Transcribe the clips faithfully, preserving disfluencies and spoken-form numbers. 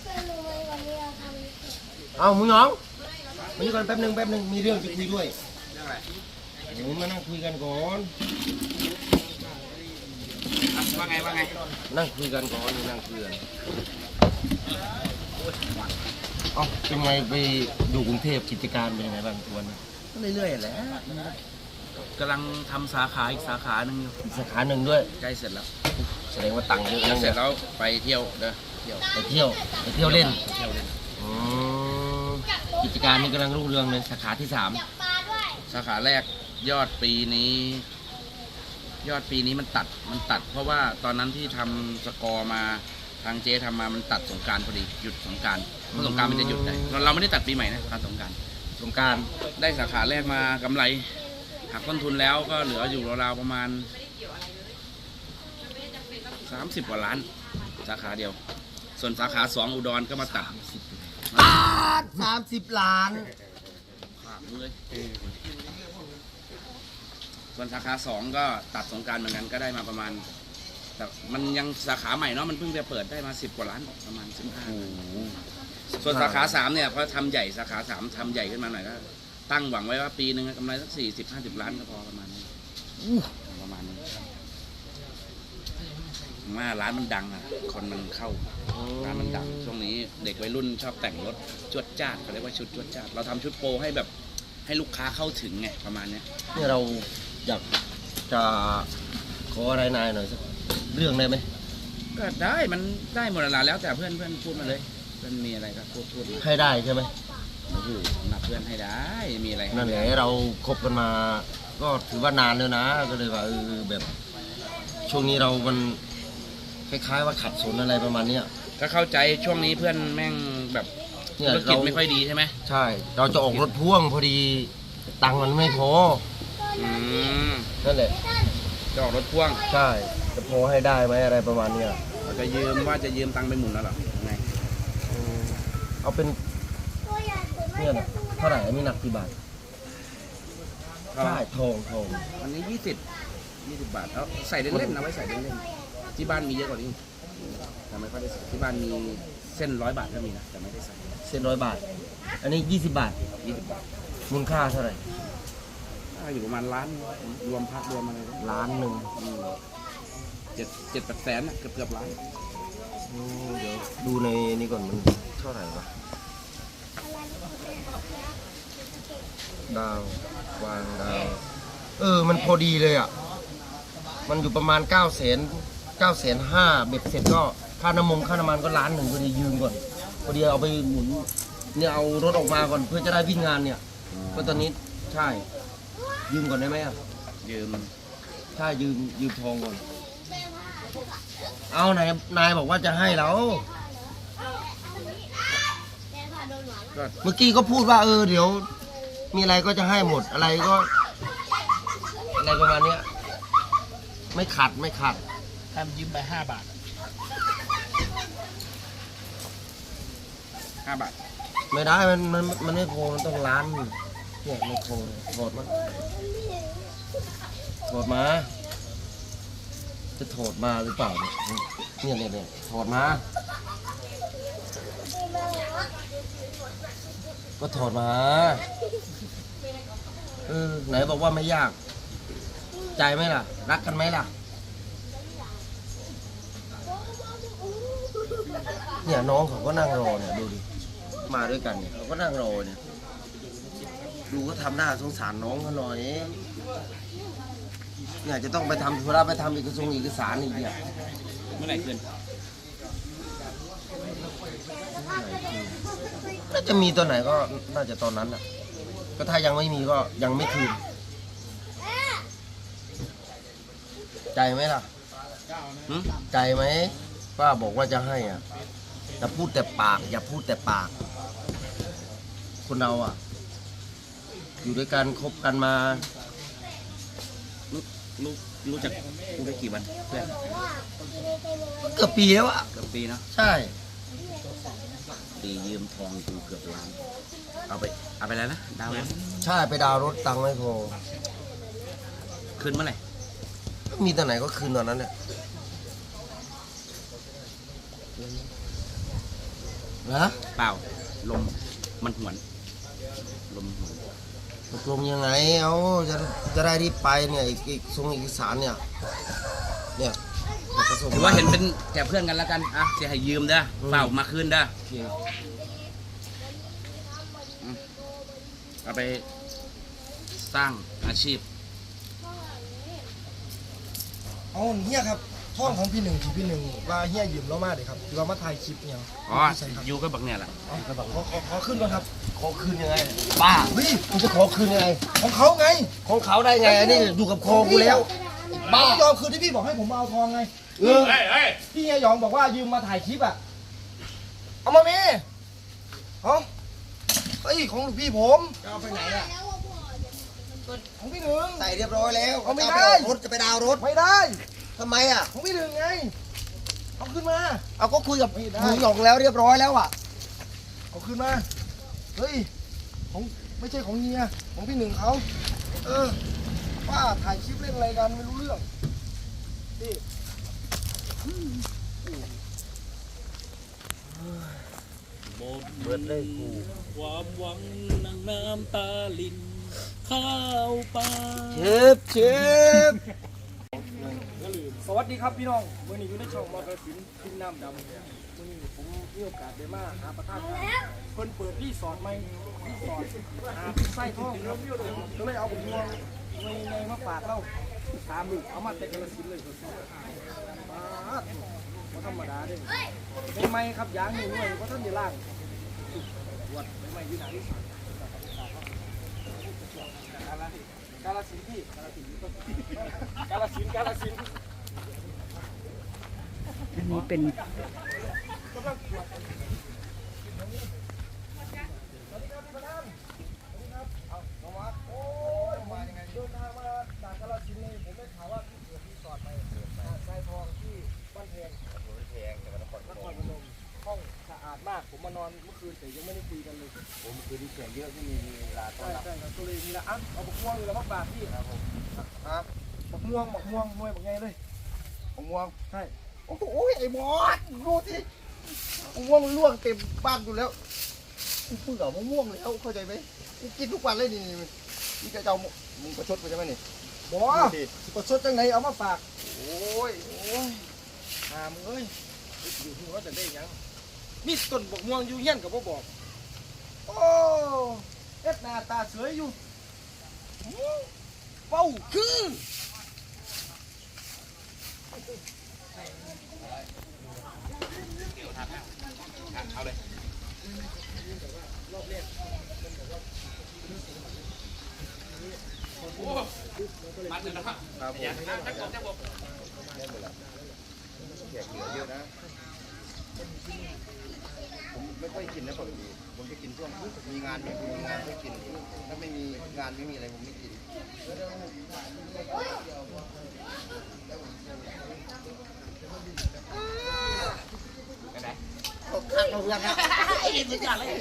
เอาหมูหยองมานี่ก่อนแป๊บหนึงแป๊บหนึงมีเรื่องจะคุยด้วยเรื่องอะไรเดี๋ยวมานั่งคุยกันก่อนว่าไงว่าไงนั่งคุยกันก่อนนั่งคุยกันเอ้าเป็นไงไปดูกรุงเทพกิจการเป็นยังไงบ้างทุกวันก็เรื่อยๆแหละกำลังทำสาขาอีกสาขาหนึ่งอยู่อีกสาขาหนึ่งด้วยใกล้เสร็จแล้วแสดงว่าตังค์เยอะนะเสร็จแล้วไปเที่ยวเด้อเที่ยวไปเที่ยวไปเที่ยวเล่นเที่ยวเล่นกิจการนี้กำลังรุ่งเรืองเลยสาขาที่สามสาขาแรกยอดปีนี้ ยอดปีนี้มันตัดมันตัด เพราะว่าตอนนั้นที่ทำสกอร์มาทางเจ๊ทำมามันตัดสงกรานต์พอดีหยุดสงกรานต์เพราะสงกรานต์มันจะหยุดได้เราไม่ได้ตัดปีใหม่นะตัดสงกรานต์สงกรานต์ได้สาขาแรกมากำไรหักต้นทุนแล้วก็เหลืออยู่ราวๆประมาณสามสิบกว่าล้านสาขาเดียวส่วนสาขาสองอุดรก็มาตัดตัดสามสิบล้านขาดเลยส่วนสาขาสองก็ตัดสงกรานต์เหมือนกันก็ได้มาประมาณแต่มันยังสาขาใหม่เนาะมันเพิ่งจะเปิดได้มาสิบกว่าล้านประมาณสิบห้าส่วนสาขาสามเนี่ยพอทำใหญ่สาขาสามทำใหญ่ขึ้นมาหน่อยก็ตั้งหวังไว้ว่าปีหนึ่งกำไรสักสี่สิบห้าสิบล้านก็พอประมาณนี้ประมาณนี้ว่าร้านมันดังอ่ะคนมันเข้าร้านมันดังช่วงนี้เด็กวัยรุ่นชอบแต่งรถจวดจ้าดเขาเรียกว่าชุดจวดจ้าดเราทำชุดโปรให้แบบให้ลูกค้าเข้าถึงไงประมาณนี้เนี่ยเราอยากจะขออะไรนายหน่อยสักเรื่องได้ไหมก็ได้มันได้หมดแล้วแล้วแต่เพื่อนเพื่อนพูดมาเลยเพื่อนมีอะไรก็พูดพูดให้ได้ใช่ไหมโอ้โหนับเพื่อนให้ได้มีอะไรนั่นแหละเราคบกันมาก็ถือว่านานแล้วนะก็เลยว่าเออแบบช่วงนี้เรามันคล้ายๆว่าขัดสนอะไรประมาณนี้ก็เข้าใจช่วงนี้เพื่อนแม่งแบบธุรกิจไม่ค่อยดีใช่ไหมใช่เราจะออกรถพ่วงพอดีตังค์มันไม่พออืมนั่นแหละจะออกรถพ่วงใช่จะพอให้ได้ไหมอะไรประมาณนี้เราจะยืมว่าจะยืมตังค์ไปหมุนแล้วหรอไงเอาเป็นเนี่ยนะเท่าไหร่อันนี้หนักกี่บาทใช่ทองทองอันนี้ยี่สิบยี่สิบบาทเอาใส่เล่นๆนะไว้ใส่เล่นๆที่บ้านมีเยอะกว่านี้แต่ไม่ค่อยได้ใส่ที่บ้านมีเส้นร้อยบาทก็มีนะแต่ไม่ได้ใส่เส้นร้อยบาทอันนี้ยี่สิบบาทยี่สิบบาทมูลค่าเท่าไหร่อยู่ประมาณล้านรวมพักรวมอะไรล้านหนึ่งเจ็ดเจ็ดแปดแสนเกือบเกือบล้านเดี๋ยวดูในนี้ก่อนมันเท่าไหร่วะดาววางดาวเออมันพอดีเลยอ่ะมันอยู่ประมาณเก้าแสนเก้าแสนห้าเบ็ดเสร็จก็ค่าน้ำมันค่าน้ำมันก็ล้านหนึ่งพอดียืมก่อนพอดีเอาไปหมุนเนี่ยเอารถออกมาก่อนเพื่อจะได้วิ่งงานเนี่ยก็ตอนนี้ใช่ยืมก่อนได้ไหมอ่ะยืมใช่ยืมยืมทองก่อนเอานายนายบอกว่าจะให้เราเมื่อกี้ก็พูดว่าเออเดี๋ยวมีอะไรก็จะให้หมดอะไรก็อะไรประมาณนี้ไม่ขัดไม่ขัดทำยืมไปห้าบาทห้าบาทไม่ได้มันมันมันไม่พอมันต้องล้านเนี่ยไม่พอถอดมาถอดมาจะถอดมาหรือเปล่าเนี่ยเนี่ยเนี่ยถอดมาก็ถอดมาเออไหนบอกว่าไม่ยากใจไหมล่ะรักกันไหมล่ะเนี่ยน้องเขาก็นั่งรอเนี่ยดูดิมาด้วยกันเนี่ยเขาก็นั่งรอเนี่ยดูก็ทำหน้าสงสารน้องเขาหน่อยเนี่ยจะต้องไปทำธุระไปทำเอกสารเอกสารอีกเนี่ยเมื่อไหร่คืนน่าจะมีตัวไหนก็น่าจะตอนนั้นอ่ะก็ถ้ายังไม่มีก็ยังไม่คืนใจไหมล่ะใจไหมป้าบอกว่าจะให้อ่ะอย่าพูดแต่ปากอย่าพูดแต่ปากคนเราอ่ะอยู่ด้วยกันคบกันมารู้รู้รู้จักรู้ได้กี่วันเพื่อนเกือบปีแล้วอ่ะเกือบปีเนาะใช่ปียืมทองกูเกือบล้านเอาไปเอาไปแล้วนะดาวน์ใช่ไปดาวน์รถตังค์ไม่พอคืนเมื่อไหร่มีตอนไหนก็คืนตอนนั้นแหละเอนะเปล่าลมมันหวนลมหวนตกลงยังไงเอาจะจะได้รีบไปเนี่ยอีกอีกส่งเอกสารเนี่ยเนี่ยจะส่งถือว่าเห็นเป็นแก่เพื่อนกันแล้วกันอ่ะจะให้ยืมเด้อเปล่ามาคืนเด้อโอเคเอาไปสร้างอาชีพเอาเฮียครับท่องของพี่หนึ่งที่พี่หนึ่งว่าเฮียยืมเรามาเดี๋ยวครับที่ว่ามาถ่ายคลิปเนี่ยอ๋อใช่ครับยูก็บักเนี่ยแหละเอาขอขอขอขึ้นก่อนครับขอคืนยังไงบ้าเฮ้ยมึงจะขอคืนยังไงของเขาไงของเขาได้ไงอันนี้อยู่กับคอกูแล้วบ้าไม่ยอมคืนที่พี่บอกให้ผมมาเอาทองไงเออพี่เฮียหยองบอกว่ายืมมาถ่ายคลิปอ่ะเอามาเมเอาเฮ้ยของหลวงพี่ผมจะเอาไปไหนอ่ะของพี่หนึ่งใส่เรียบร้อยแล้วเอาไม่จะได้ปรถจะไปดาวน์รถไม่ได้ทำไมอ่ะของพี่หนึ่งไงเอาขึ้นมาเอาก็คุยกับไม่ได้หนูหยองแล้วเรียบร้อยแล้วอ่ะเอาขึ้นมาเฮ้ยของไม่ใช่ของเฮียของพี่หนึ่งเขาเออป้าถ่ายคลิปเล่นอะไรกันไม่รู้เรื่องนี่เบิดเลยกูความหวังนั่งน้ำตาลิน ข้าวปลาเชฟเชฟสวัสดีครับพี่น้องมื่อนี้อยู่ในช่องมอเตอร์สินพิมน้ำดำมื่อนี้ผมมีโอกาสได้มาหาประธานเพิ่นเปิดรีสอร์ทใหม่รีสอร์ทหาไส้ทองครับก็เลยเอาผมงวงในในมาฝากเราสามลูกเอามาแต่กระสินเลยมาดบ่ธรรมดาเด้เป็นไม้ครับยางหนึ่งหน่วยเพราะท่านเดี๋ยวล่างวัดเป็นไม้อยู่ไหนรีสอร์ทกาลสินธุ์พี่กาลสินธุ์กาลสินธุ์กาลสินธุ์อันนี้เป็นเดินทางมาจากกาฬสินธุ์เลยผมได้ข่าวว่าพี่เกิดรีสอร์ทไปหาดทรายทองที่บ้านแพงนครพนมห้องสะอาดมากผมมานอนเมื่อคืนแต่ยังไม่ได้คุยกันเลยผมคือที่เสียงเยอะที่มีเวลาต้อใช่นรับใช่ครับก็เลยมีละอ่ะเอาบักม่วงอยู่แล้วบักบาทพี่ครับผมครับบักม่วงบักม่วงหน่วยบักไงเลยผมง่วงใช่โอ้โหไอ้มอสดูสิผมง่วงล่วงเต็มบ้านอยู่แล้วกูเบื่อมะม่วงแล้วเข้าใจไหมกูกินทุกวันเลยนี่นี่นี่จะเอามึงประชดกูใช่ไหมนี่บอประชดจังไหนเอามาฝากโอ้ยโอ้ยหามเอ้ยอยู่ที่ว่าจะได้ยังมีต้นบักม่วงอยู่เฮี้ยนกับบ่บอกโอ้เอ็ดหน้าตาสวยอยู่เป้าคือเอาเลยมาถึงแล้วครับครับผมอย่าจะกดจะบอกแขกเหลือเยอะนะ ผมไม่ค่อยกินนะปกติผมจะกินช่วงมีงานมีมีงานก็กิน ถ้าไม่มีงานไม่มีอะไรผมไม่กินกันไหนตกข้างเราเพื่อนนะสุดยอดเลย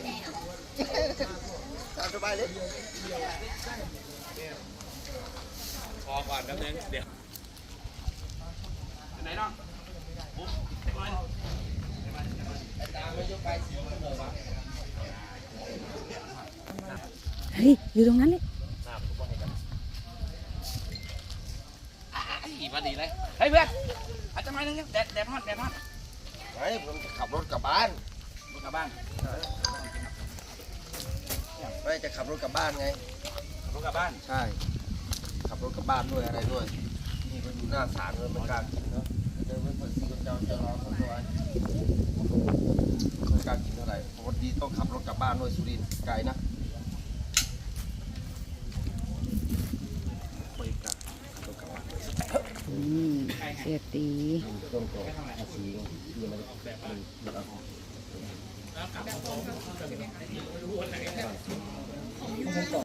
ตามสบายเลยพอก่อนแป๊บนึงเดี๋ยวไหนน้องปุ๊บเรียบร้อยเฮ้ย อยู่ตรงนั้นเลยอีพอดีเลยเฮ้ยเพื่อนอาจจะมาหนึ่งแดดแดดฮอตแดดฮอตไอ้ผมจะขับรถกลับบ้านรถกลับบ้านไม่จะขับรถกลับบ้านไงรถกลับบ้านใช่ ขับรถกลับบ้านด้วยอะไรด้วย นี่ก็อยู่หน้าศาลเลยมันกล้ารกินเนาะเดินไปเปิดซีกันเจ้าจะรอคนตัวไม่กล้ารกินเท่าไหร่ปกติต้องขับรถกลับบ้านด้วยสุรินทร์ไกลนะไม่กล้าขับรถกลับบ้านอืมเสียตีต้องต่ออาชีพที่มันมันมันเอา